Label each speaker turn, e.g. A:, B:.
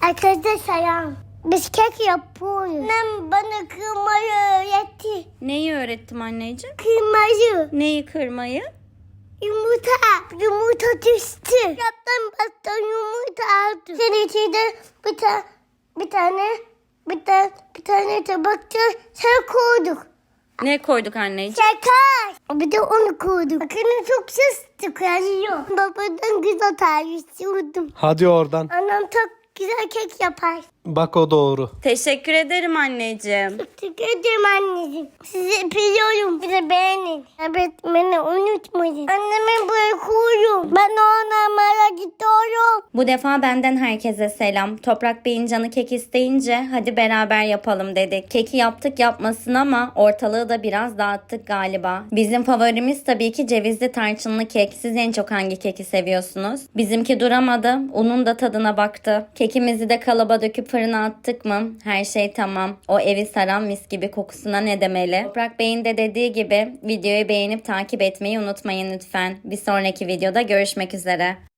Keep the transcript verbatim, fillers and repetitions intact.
A: Herkese selam. Biz kek yapıyoruz. Annem bana kıymayı öğretti.
B: Neyi öğrettim anneciğim?
A: Kıymayı.
B: Neyi kırmayı?
A: Yumurta. Yumurta düştü. Yaptım bastım yumurta aldım. Senin içinde bir, ta bir tane bir tane bir tane tabakta şey koyduk.
B: Ne koyduk anneciğim?
A: Şeker. Bir de onu koyduk. Bakın çok ses çıkarıyor. Babadan güzel tarif istiyordum.
C: Hadi oradan.
A: Annem çok güzel kek yapar.
C: Bak o doğru.
B: Teşekkür ederim anneciğim.
A: Teşekkür ederim anneciğim. Sizi öpüyorum. Bizi beğenin. Evet beni unutmayın. Annemi bırakıyorum. Ben ona mara gidiyorum.
B: Bu defa benden herkese selam. Toprak Bey'in canı kek isteyince hadi beraber yapalım dedik. Keki yaptık yapmasın ama ortalığı da biraz dağıttık galiba. Bizim favorimiz tabii ki cevizli tarçınlı kek. Siz en çok hangi keki seviyorsunuz? Bizimki duramadı. Unun da tadına baktı. Kekimizi de kalıba döküp fırına attık mı? Her şey tamam. O evi saran mis gibi kokusuna ne demeli? Toprak Bey'in de dediği gibi videoyu beğenip takip etmeyi unutmayın lütfen. Bir sonraki videoda görüşmek üzere.